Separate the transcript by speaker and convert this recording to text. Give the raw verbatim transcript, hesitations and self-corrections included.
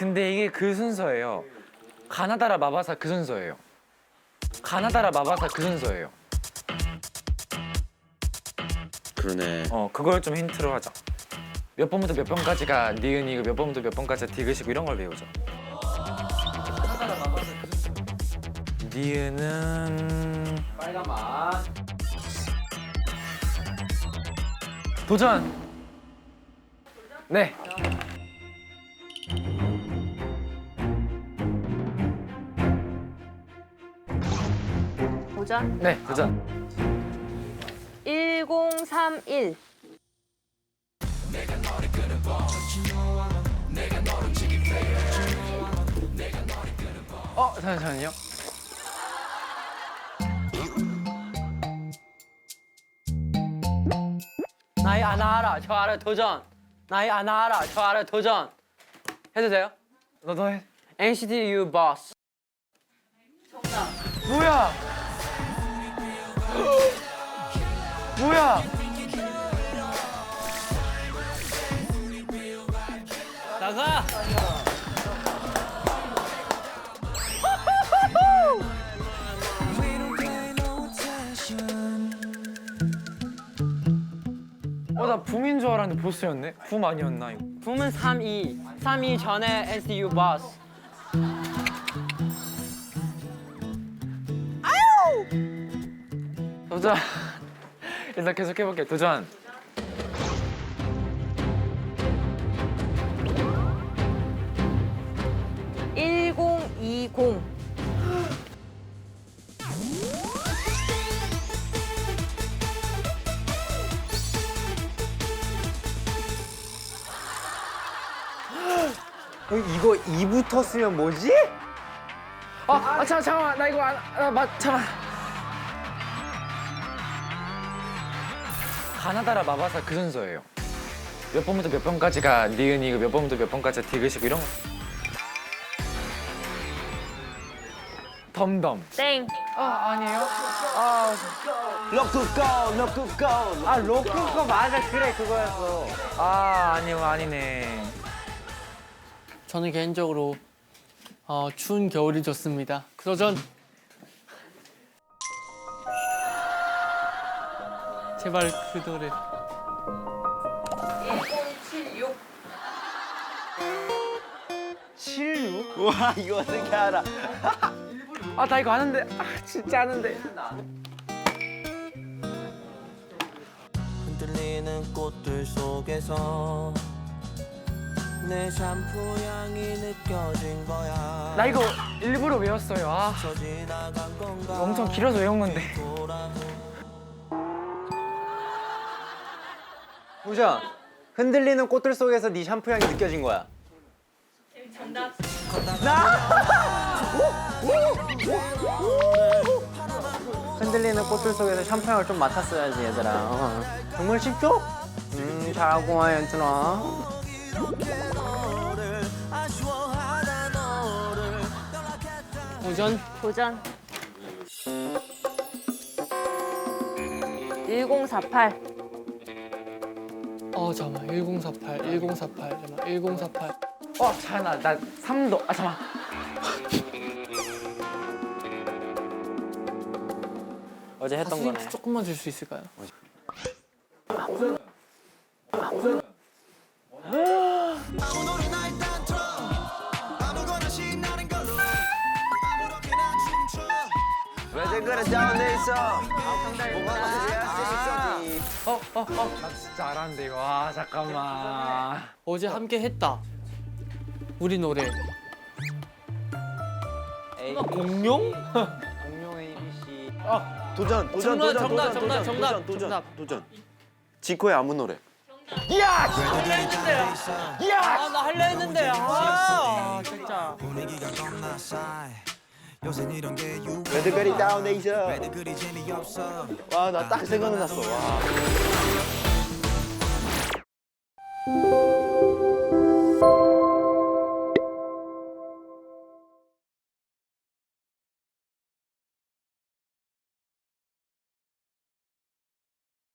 Speaker 1: 근데 이게 그 순서예요. 가나다라 마바사 그 순서예요. 가나다라 마바사 그 순서예요.
Speaker 2: 그러네.
Speaker 1: 어 그걸 좀 힌트로 하자. 몇 번부터 몇 번까지가 니은이고 몇 번부터 몇 번까지가 디귿이고 이런 걸 배우자. 가나다라 마바사 그 순서. 니은은
Speaker 3: 빨간 맛.
Speaker 1: 도전. 네.
Speaker 4: 도전.
Speaker 1: 네, 도전.
Speaker 4: 일공삼일.
Speaker 1: 어, 잠시만요.
Speaker 3: 나이 아나 알아. 저 알아. 도전. 나이 아나 알아. 저 알아. 도전. 해도 돼요?
Speaker 1: 너도 해.
Speaker 3: 엔시티 U Boss.
Speaker 1: 뭐야? 뭐야?
Speaker 3: 나가.
Speaker 1: 어, 나 붐인 줄 알았는데 보스였네. 붐 아니었나 이거?
Speaker 3: 붐은 삼이. 삼이 전에 엔시티 U Boss.
Speaker 1: 도전. 일단 계속 해볼게. 도전.
Speaker 4: 일공이공.
Speaker 5: 이거 이부터 쓰면 뭐지?
Speaker 1: 아, 아 잠깐 잠깐만. 나 이거 안, 아, 맞 잠깐. 가나다라 마바사 그 순서예요. 몇 번부터 몇 번까지가 니은이고 몇 번부터 몇 번까지가 디귿이고 이런 거. 덤덤.
Speaker 4: 땡.
Speaker 1: 아 아니에요? 아,
Speaker 5: 로쿠고 로쿠고 아 로쿠고 맞아 그래 그거였어.
Speaker 1: 아 아니요 아니네.
Speaker 6: 저는 개인적으로 어, 추운 겨울이 좋습니다. 도전. 제발 그 노래.
Speaker 4: 일공칠육.
Speaker 1: 칠육?
Speaker 5: 와 이거 어떻게 알아?
Speaker 1: 아 나 이거 아는데. 아 진짜 아는데.
Speaker 7: 흔들리는 꽃들 속에서 내 샴푸 향이 느껴진 거야.
Speaker 1: 나 이거 일부러 외웠어요. 아
Speaker 7: 저 지나간 건가
Speaker 1: 엄청 길어서 외운 건데.
Speaker 5: 도전. 흔들리는 꽃들 속에서 네 샴푸 향이 느껴진 거야.
Speaker 4: 정답.
Speaker 5: 흔들리는 꽃들 속에서 샴푸 향을 좀 맡았어야지 얘들아. 어. 정말 쉽죠? 음 잘하고 와 얘들아.
Speaker 7: 너를 아쉬워하다 너를
Speaker 6: 도전.
Speaker 4: 도전. 일공사팔.
Speaker 6: 어 잠깐만. 일공사팔. 일공사팔. 잠깐만. 일공사팔.
Speaker 1: 어 잘나 나 삼도. 아 잠깐.
Speaker 5: 어제 했던
Speaker 6: 힌트
Speaker 5: 거네.
Speaker 6: 조금만 줄 수 있을까요?
Speaker 7: 아무도 날 딴터 아무거나 신나는 걸로 아무렇게나 춤춰
Speaker 5: 왜들 그래 다운돼 있어? 뭐가 할수 있어?
Speaker 1: 어 어 어. 나 진짜 알았는데 이거. 아 잠깐만.
Speaker 6: 어제 함께 했다. 우리 노래.
Speaker 5: A
Speaker 6: 공룡?
Speaker 5: 공룡 A B C.
Speaker 2: 아 도전 도전
Speaker 6: 정답,
Speaker 2: 도전
Speaker 6: 정답,
Speaker 2: 도전
Speaker 6: 정답,
Speaker 2: 도전
Speaker 6: 정답,
Speaker 2: 도전
Speaker 6: 정답.
Speaker 2: 도전. 지코의 아무 노래.
Speaker 6: 아 나 할려 했는데. 아 진짜.
Speaker 7: 분위기가 겁나 싸해 요새 이런 게 유행
Speaker 2: 레드벨이 다운돼 있어.
Speaker 7: 왜들 그리 재미없어
Speaker 2: 와 나 딱 생각났어. 와.